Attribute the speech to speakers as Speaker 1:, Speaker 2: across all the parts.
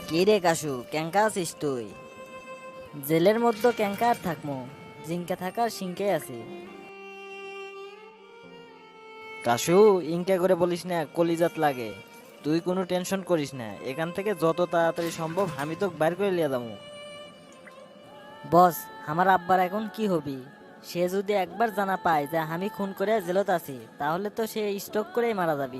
Speaker 1: কি রে কাশু, ক্যাঙ্কা আছিস তুই? জেলের মধ্যে ক্যাঙ্কা আর থাকমো, জিঙ্কা থাকার সিংকে আছি। কাশু, ইনকা করে বলিস না, কলিজাত লাগে। তুই কোনো টেনশন করিস না, এখান থেকে যত তাড়াতাড়ি সম্ভব আমি তো বাইর করে লিয়ে যাবো। বস, আমার আব্বার এখন কি হবি? সে যদি একবার জানা পায় যে আমি খুন করে জেলত আছি, তাহলে তো সে স্ট্রোক করেই মারা যাবি।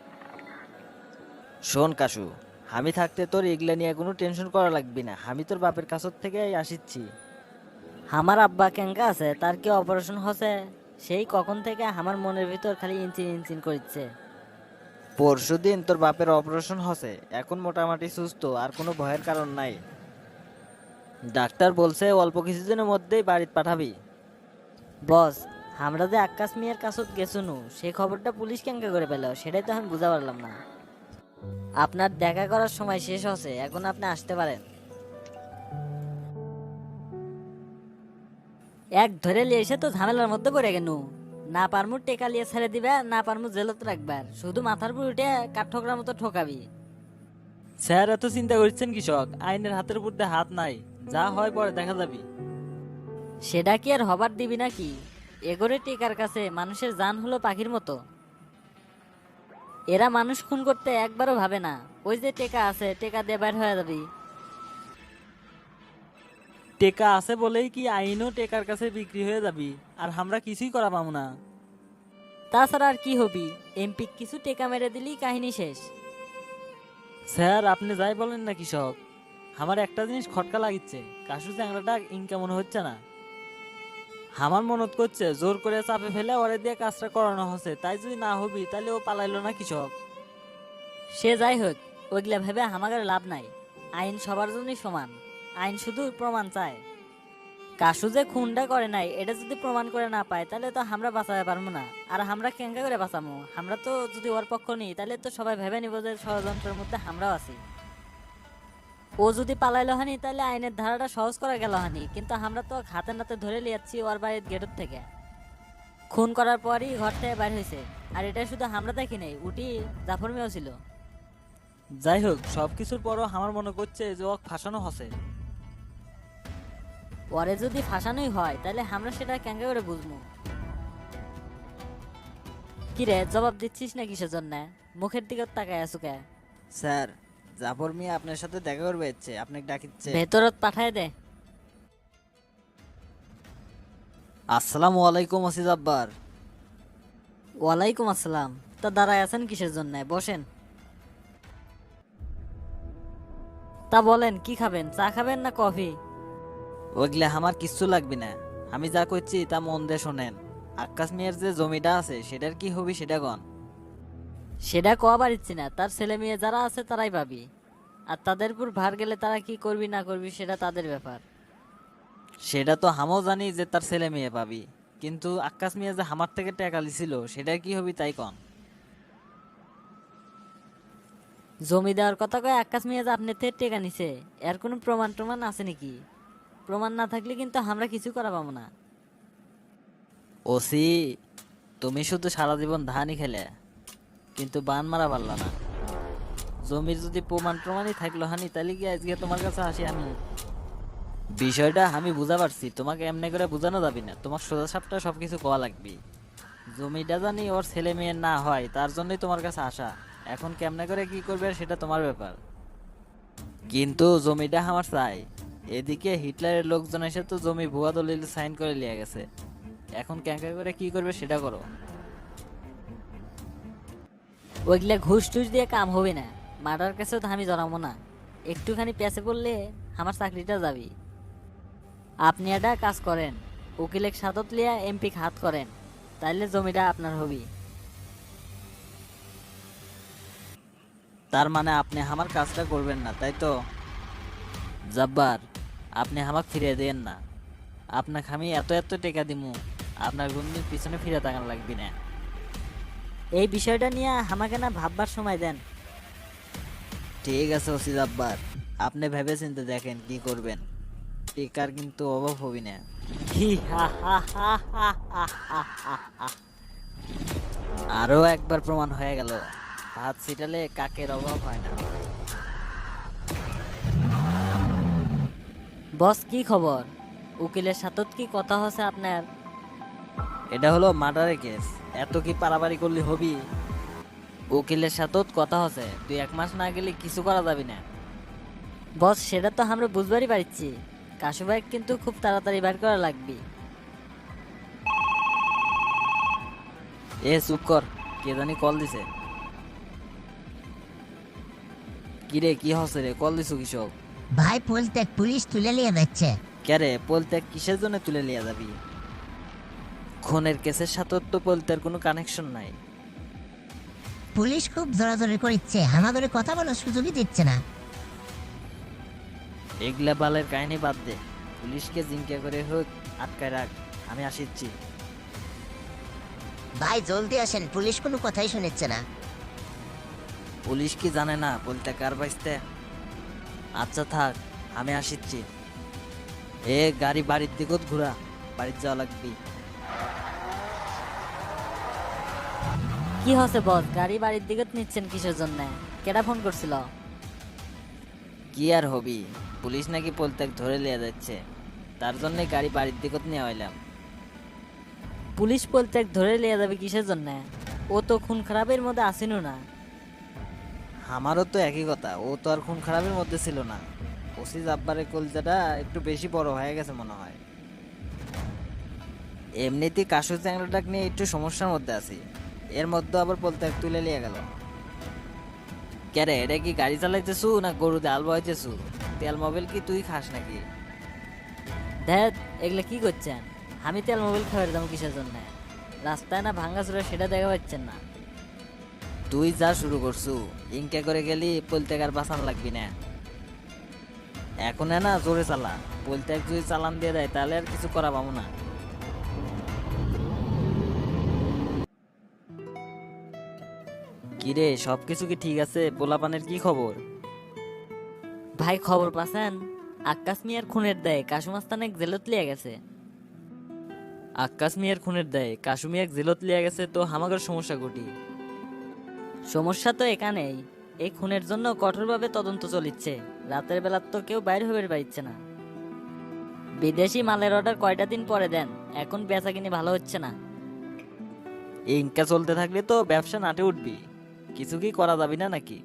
Speaker 1: শোন কাশু, আমি থাকতে তোর এগুলা নিয়ে কোনো টেনশন করা লাগবে না, আমি তোর বাপের কাছত থেকে আসিচ্ছি। আমার আব্বা ক্যাঙ্কা আছে, তার কি অপারেশন হচ্ছে? সেই কখন থেকে আমার মনের ভিতর খালি ইঞ্চিন ইঞ্চিন করছে। পরশুদিন তোর বাপের অপারেশন হচ্ছে, এখন মোটামুটি সুস্থ, আর কোনো ভয়ের কারণ নাই। ডাক্তার বলছে অল্প কিছুদিনের মধ্যেই বাড়িতে পাঠাবি। বস, আমরা যে আক্কাস মিয়ার কাছত গেছুনু, সেই খবরটা পুলিশ ক্যাঙ্কা করে পেল, সেটাই তো আমি বুঝা পারলাম না। আপনার দেখা করার সময় শেষ হচ্ছে, এখন আপনি আসতে পারেন। এক ধরে লিয়ে এসে তো ঝামেলার মধ্যে পড়ে গেনু। না পারমু টেকা লিয়ে ছেড়ে দিবে, না পারমু জেলত রাখবার, শুধু মাথার উপর উঠে কাঠ ঠোকরার মতো ঠকাবি।
Speaker 2: স্যার, এত চিন্তা করছেন কৃষক, আইনের হাতের উপর দিয়ে হাত নাই, যা হয় পরে দেখা যাবে।
Speaker 1: সেটা কি আর হবার দিবি নাকি? এগোরে টেকার কাছে মানুষের জান হলো পাখির মতো। এরা মানুষ খুন করতে একবারও ভাবে না। ওই যে টেকা আছে, টেকা দিয়ে বাইর হয়ে যাবি।
Speaker 2: টেকা আছে বলেই কি আইনও টেকার কাছে বিক্রি হয়ে যাবি, আর আমরা কিছুই করা পাবো না।
Speaker 1: তাছাড়া আর কি হবি? এমপি কিছু টেকা মেরে দিলি কাহিনী শেষ।
Speaker 2: স্যার, আপনি যাই বলেন না কৃষক, আমার একটা জিনিস খটকা লাগিচ্ছে, কাশু চ্যাংড়াটা ইনকা মনে হচ্ছে না। আমার মনত করছে জোর করে চাপে ফেলে ওরে দিয়ে কাজটা করানো হচ্ছে, তাই যদি না হবি তাহলে ও পালাইলো না কৃষক।
Speaker 1: সে যাই হোক, ওইগুলা ভেবে আমাদের লাভ নাই। আইন সবার জন্যই সমান। আইন শুধু প্রমাণ চায়। কাশু যে খুনটা করে নাই, এটা যদি প্রমাণ করে না পায়, তাহলে তো আমরা বাঁচাতে পারবো না। আর আমরা কেঙ্কা করে বাঁচাবো? আমরা তো যদি ওর পক্ষ নিই, তাহলে তো সবাই ভেবে নিব যে ষড়যন্ত্রের মধ্যে আমরাও আছি। ও যদি পালাইলো হানি, তাহলে আইনের ধারাটা সহজ করা গেল হানি, কিন্তু আমরা তো হাতে নাতে ধরে লিয়াচ্ছি ওর বাড়ির গেটের থেকে। খুন করার পরই ঘর থেকে বাইর হয়েছে। আর এটা শুধু আমরা দেখি নাই, উটি জাফর মেয়েও ছিল।
Speaker 2: যাই হোক, সবকিছুর পরও আমার মনে করছে যে ও ফাঁসানো হচ্ছে।
Speaker 1: পরে যদি ফাঁসানোই হয়, তাহলে আমরা সেটা কেঙ্কা করে বুঝবো? কিরে, জবাব দিচ্ছিস না কিসের জন্য? মুখের দিকে তাকায় আছো কে?
Speaker 3: স্যার, জাফর মিয়া আপনার সাথে দেখা করবে ইচ্ছে, আপনাকে ডাকিচ্ছে।
Speaker 1: ভেতরত পাঠায় দে।
Speaker 3: আসসালামু আলাইকুম ওসি জব্বার।
Speaker 1: ওয়ালাইকুম আসসালাম। তা দাঁড়ায় আছেন কিসের জন্য? বসেন। তা বলেন, কি খাবেন? চা খাবেন না কফি?
Speaker 3: ওইগুলা আমার কিচ্ছু লাগবে না, আমি যা করছি তা মন দিয়ে শোনেন। আক্কাস মিয়ার যে জমিটা আছে সেটার কি হবি সেটা কন।
Speaker 1: সেটা কয়া পারিচ্ছি না, তার ছেলে মেয়ে যারা আছে তারাই পাবি। আর তাদের উপর ভার গেলে তারা কি করবি না করবি সেটা তাদের ব্যাপার।
Speaker 3: সেটা তো হামও জানি যে তার ছেলে মেয়ে পাবি, কিন্তু আক্কাস মিয়া যে আমার থেকে টাকা লিছিল সেটার কি হবি তাই কন।
Speaker 1: জমি দেওয়ার কথা কয়ে আকাশ মিয়া যে আপনার থেকে টেকা নিছে, এর কোনো প্রমাণ টমাণ আছে নাকি? প্রমাণ না থাকলে কিন্তু আমরা কিছু করা পাবো না।
Speaker 3: ওসি, তুমি শুধু সারা জীবন ধানই খেলে, কিন্তু বান মারা পারলা না। জমির যদি প্রমাণই থাকলো হানি, তাহলে কি আজকে তোমার কাছে আসি আমি? বিষয়টা আমি বুঝা পারছি, তোমাকে এমনি করে বোঝানো যাবে না, তোমার সোজা সাপটা সবকিছু কোয়া লাগবে। জমিটা জানি ওর ছেলে মেয়ের না হয়, তার জন্যই তোমার কাছে আসা। এখন কেমনে করে কি করবে সেটা তোমার ব্যাপার, কিন্তু জমিটা আমার চাই। এদিকে হিটলারের লোকজন এসে তো জমি ভুয়া দলিল সাইন করে নিয়ে গেছে, এখন ক্যাঙ্কা করে কি করবে সেটা করো।
Speaker 1: ওইগুলা ঘুষ টুস দিয়ে কাম হবে না। মার্ডার কাছেও তো আমি জড়াবো না। একটুখানি পেছে পড়লে আমার চাকরিটা যাবি। আপনি একটা কাজ করেন, উকিলের সাদত লিয়া এমপি হাত করেন, তাইলে জমিটা আপনার হবি।
Speaker 3: তার মানে আপনি আমার কাজটা করবেন না তাই তো? জব্বার, আপনি আমাকে ফিরিয়ে দেন না। আপনাকে আমি এত এত টাকা দিমু, আপনার গুন্ডির পিছনে ফিরে তাকান লাগবে না।
Speaker 1: এই বিষয়টা নিয়ে আমাকে না ভাববার সময় দেন।
Speaker 3: ঠিক আছে ওসি জব্বার, আপনি ভেবে চিন্তে দেখেন কি করবেন, টিকার কিন্তু অভাব হবি না।
Speaker 1: হি হা হা হা হা হা হা হা হা।
Speaker 3: আরো একবার প্রমাণ হয়ে গেল, হাত ছিটালে কাকের অভাব হয় না।
Speaker 1: বস কি খবর? উকিলের সাথে কি কথা হচ্ছে আপনার?
Speaker 3: এটা হলো মার্ডারের কেস, এত কি পারাবারি করলে হবি? উকিলের সাথে কথা হচ্ছে, তুই 1 মাস না গেলে কিছু করা যাবি না।
Speaker 1: বস সেটা তো আমরা বুঝবারই পারছি, কাশু ভাই কিন্তু খুব তাড়াতাড়ি বের করা লাগবে।
Speaker 3: এ চুপ কর, কে জানি কল দিছে। কিরে কি হচ্ছে রে, কল দিছু কৃষক?
Speaker 4: ভাই পলত্যাগ পুলিশ তুলে নিয়ে যাচ্ছে।
Speaker 3: ক্যারে পলত্যাগ কিসের জন্য তুলে নিয়ে যাবি? খুনের কেসের সাথে তো পলত্যার কোনো কানেকশন নাই।
Speaker 4: পুলিশ খুব জোরাজোরি করছে, আমাদের কথা বলার সুযোগই দিচ্ছে না।
Speaker 3: এগুলা বালের কাহিনী বাদ দে, পুলিশকে জিঙ্কা করে হোক আটকায় রাখ, আমি আসিচ্ছি।
Speaker 4: ভাই জলদি আসেন, পুলিশ কোনো কথাই শুনেছে না।
Speaker 3: পুলিশ কি জানে না বলতে কার বাইসতে? আচ্ছা থাক, আমি আসিচ্ছি। এ গাড়ি বাড়ির দিকে ঘুরা, বাড়ির যাওয়া লাগবি।
Speaker 1: কি হচ্ছে বস, গাড়ি বাড়ির দিকে নিচ্ছেন কিসের জন্য? কেডা ফোন করছিল?
Speaker 3: কি আর হবি, পুলিশ নাকি পলত্যাগ ধরে লিয়ে যাচ্ছে, তার জন্য গাড়ি বাড়ির দিকে নিয়ে হইলাম।
Speaker 1: পুলিশ পলত্যাগ ধরে লিয়ে যাবে কিসের জন্য? ও তো খুন খারাপের মধ্যে আসেনও না।
Speaker 3: আমারও তো একই কথা, ও তো আর খুন খারাপের মধ্যে ছিল না। ওসি জাব্বারের কলজাটা একটু বেশি বড় হয়ে গেছে মনে হয়। এমনিতেই কাশু চ্যাংড়াটাক নিয়ে একটু সমস্যার মধ্যে আছি, এর মধ্যে আবার পলত্যাগ তুলে নিয়ে গেল। ক্যারে এটা কি গাড়ি চালাইতেছু না গরুতে আল বহাইতেছু? তেল মোবিল কি তুই খাস নাকি?
Speaker 1: দেখ এগুলা কি করছেন? আমি তেল মোবাইল খাবার দাম কিসের জন্য? রাস্তায় না ভাঙ্গা চুরা সেটা দেখা পাচ্ছেন না?
Speaker 3: তুই যা শুরু করছু, ইনকা করে গেলি পলত্যাগ আর বাঁচান লাগবি না। এখন না জোরে চালা, পলত্যাগ যদি চালান দিয়ে দেয় তাহলে আর কিছু করা পাবো না। কিরে সবকিছু কি ঠিক আছে? পোলাপানের কি খবর?
Speaker 1: ভাই খবর পাচ্ছেন? আক্কাস মিয়ার খুনের দেয় কাশুমাস্তানে জেলত লিয়ে গেছে।
Speaker 3: আক্কাস মিয়ার খুনের দেয় কাশু মিয়াক জেলত লিয়া গেছে, তো হামাগের সমস্যা ঘটি।
Speaker 1: সমস্যা তো এখানেই, এই খুনের জন্য কঠোরভাবে তদন্ত চলিচ্ছে। রাতের বেলা তো কেউ বাইরে হয়ে পারছে না। বিদেশি মালের অর্ডার কয়টা দিন পরে দেন, এখন বেচা কিনে ভালো হচ্ছে না।
Speaker 3: এই ইনকা চলতে থাকলে তো ব্যবসা নাটে উঠবি, কিছু কি করা যাবি না নাকি?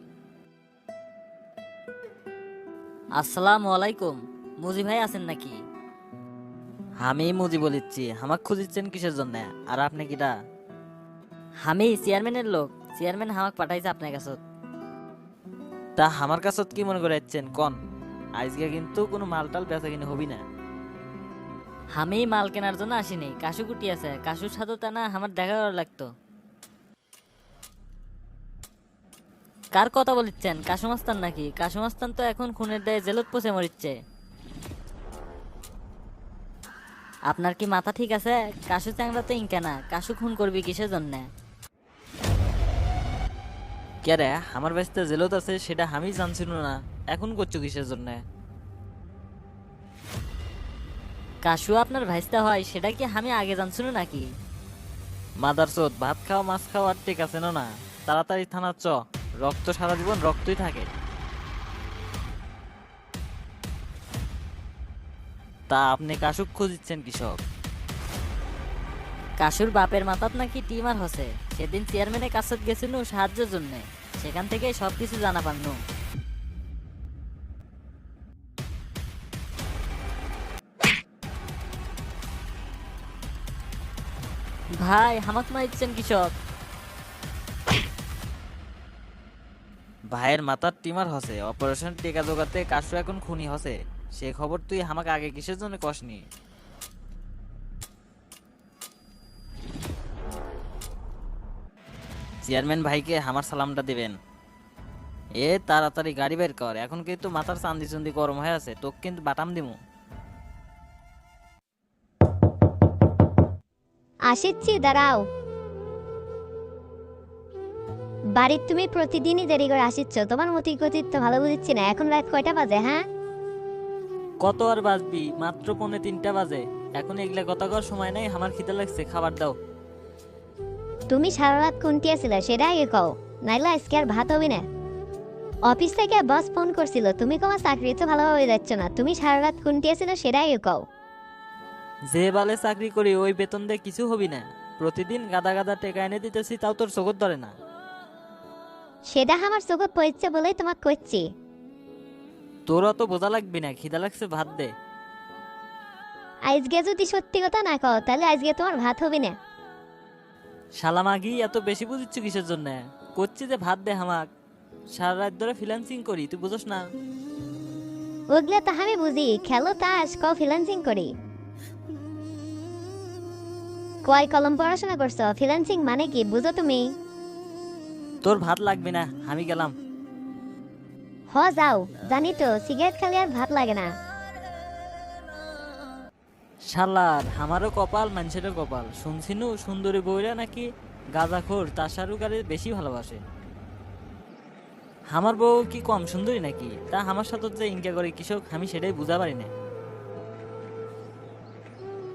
Speaker 1: আসসালামু আলাইকুম, মুজি ভাই আছেন নাকি?
Speaker 3: আমি মুজি বলিচ্ছি, হামাক খুঁজিচ্ছেন কিসের জন্য? আর আপনি কিটা?
Speaker 1: আমি চেয়ারম্যানের লোক, চেয়ারম্যান হামাক পাঠাইছে আপনার কাছে।
Speaker 3: তা আমার কাছে কি মনে করে যাচ্ছেন কন? আজকে কিন্তু কোনো মালটাল বেচা কিনে হবি না।
Speaker 1: আমি মাল কেনার জন্য আসিনি, কাশু কুটি আছে, কাশুর সাথে তা না আমার দেখা করা লাগতো। কার কথা বলিচ্ছেন? কাশুমাস্তান নাকি? কাশুমাস্তান তো এখন খুনের দায়ে জেলত পচে মরিচ্ছে। আপনার কি মাথা ঠিক আছে? কাশু চ্যাংড়া তো ইনকা না, কাশু খুন করবি কিসের জন্য?
Speaker 3: কে রে আমার ব্যস্ত জেলত আছে সেটা আমি জানছিল না, এখন করছো কিসের জন্য?
Speaker 1: কাশু আপনার ভাইস্তা হয় সেটা কি আমি আগে জানছিল নাকি?
Speaker 3: মাদার চোদ, ভাত খাও মাছ খাও আর ঠিক আছে না? তাড়াতাড়ি থানা চ, রক্ত সারা জীবন রক্তই থাকে। তা আপনি কাশুক খুঁজিচ্ছেন কৃষক?
Speaker 1: কাশুর বাপের মাথাত নাকি টিমার হসে, সেদিন চেয়ারম্যানের কাছে গেছিল সাহায্যের জন্য, সেখান থেকে সবকিছু জানা পান্নু। ভাই হামাক মারিচ্ছেন কৃষক।
Speaker 3: ভাইয়ের মাথার টিমার হসে, অপারেশন টেকা জোগাতে কাশু এখন খুনি হসে, সে খবর তুই আমাকে আগে কিসের জন্য কসনি? চেয়ারম্যান ভাইকে আমার সালামটা দিবেন। এ তাড়াতাড়ি গাড়ি বের কর, এখন কিন্তু মাথার চান্দি চুন্দি গরম হয়ে আছে, তোকে কিন্তু বাটাম দিমু।
Speaker 5: আসিচ্ছি, দাঁড়াও। বাড়ির তুমি প্রতিদিনই দেরি করে আসিচ্ছ, তোমার মতি গতি তো ভালো বুঝিচ্ছি না। এখন রাত কয়টা বাজে? হ্যাঁ,
Speaker 2: কত আর বাজবি, মাত্র 2:45 বাজে। এখন এগুলা কথা কর সময় নাই, আমার খিদে লাগছে, খাবার দাও।
Speaker 5: তুমি সারা রাত কোনটি আছিলে সেটা আগে কও, নাইলে আজকে আর ভাত হবে না। অফিস থেকে বস ফোন করছিল, তুমি তোমার চাকরি তো ভালোভাবে যাচ্ছ না, তুমি সারা রাত খুনটিয়েছিল সেটাই কও।
Speaker 2: যে বালে চাকরি করি ওই বেতন দিয়ে কিছু হবি না, প্রতিদিন গাদা গাদা টেকা এনে দিতেছি তাও তোর চোখত ধরে না।
Speaker 5: সেটা আমার চোখত পড়ছে বলেই তোমাকে কইছি।
Speaker 2: তোর অত বোঝা লাগবি না, খিদা লাগছে ভাত দে।
Speaker 5: আজকে যদি সত্যি কথা না কও তাহলে আজকে তোমার ভাত হবে না।
Speaker 2: শালামাগি এত বেশি বুঝিচ্ছ কিসের জন্য? করছি যে ভাত দে হামাক, সারা রাত ধরে ফ্রিল্যান্সিং করি, তুই বুঝোস না?
Speaker 5: ওগুলো তো আমি বুঝি, খেলো তাস কও ফ্রিল্যান্সিং করি। কয় কলম পড়াশোনা করছো, ফ্রিল্যান্সিং মানে কি বুঝো তুমি?
Speaker 2: তোর ভাত লাগবে না, আমি গেলাম।
Speaker 5: যাও, জানি তো সিগারেট খালি আর ভাত লাগে না।
Speaker 2: শালার আমারও কপাল মানুষেরও কপাল, শুনছিনু সুন্দরী বইরা নাকি গাঁজাখোর তাসারুকারে বেশি ভালোবাসে। আমার বউ কি কম সুন্দরী নাকি? তা আমার সাথে যে ইনকা করে কৃষক আমি সেটাই বুঝা পারি না।